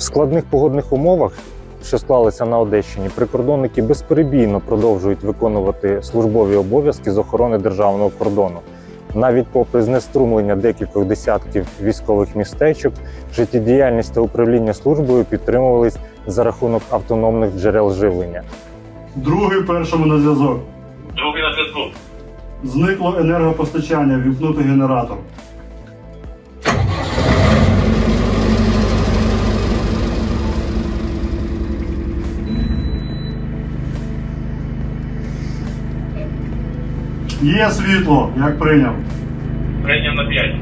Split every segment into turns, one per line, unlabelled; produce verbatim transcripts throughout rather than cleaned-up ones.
складних погодних умовах, що склалися на Одещині, прикордонники безперебійно продовжують виконувати службові обов'язки з охорони державного кордону. Навіть попри знеструмлення декількох десятків військових містечок, життєдіяльність та управління службою підтримувались за рахунок автономних джерел живлення.
Другий першому на зв'язок.
Другий на зв'язку.
Зникло енергопостачання, вімкнути генератор. Є світло, як прийняв.
Прийняв на п'ять.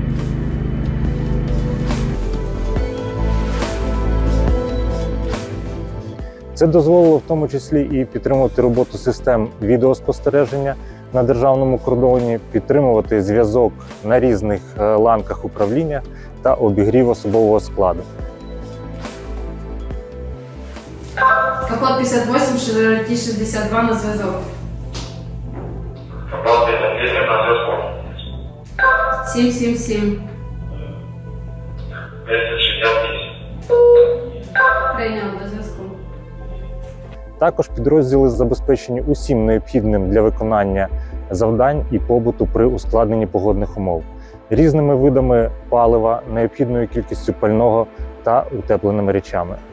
Це дозволило в тому числі і підтримувати роботу систем відеоспостереження на державному кордоні, підтримувати зв'язок на різних ланках управління та обігрів особового складу.
Капот п'ятдесят вісім, Шевроле шістдесят два на зв'язок.
Капот п'ятдесят вісім на зв'язку.
сім сім сім.
двісті шістдесят вісім.
Прийняв до зв'язку.
Також підрозділи забезпечені усім необхідним для виконання завдань і побуту при ускладненні погодних умов, різними видами палива, необхідною кількістю пального та утепленими речами.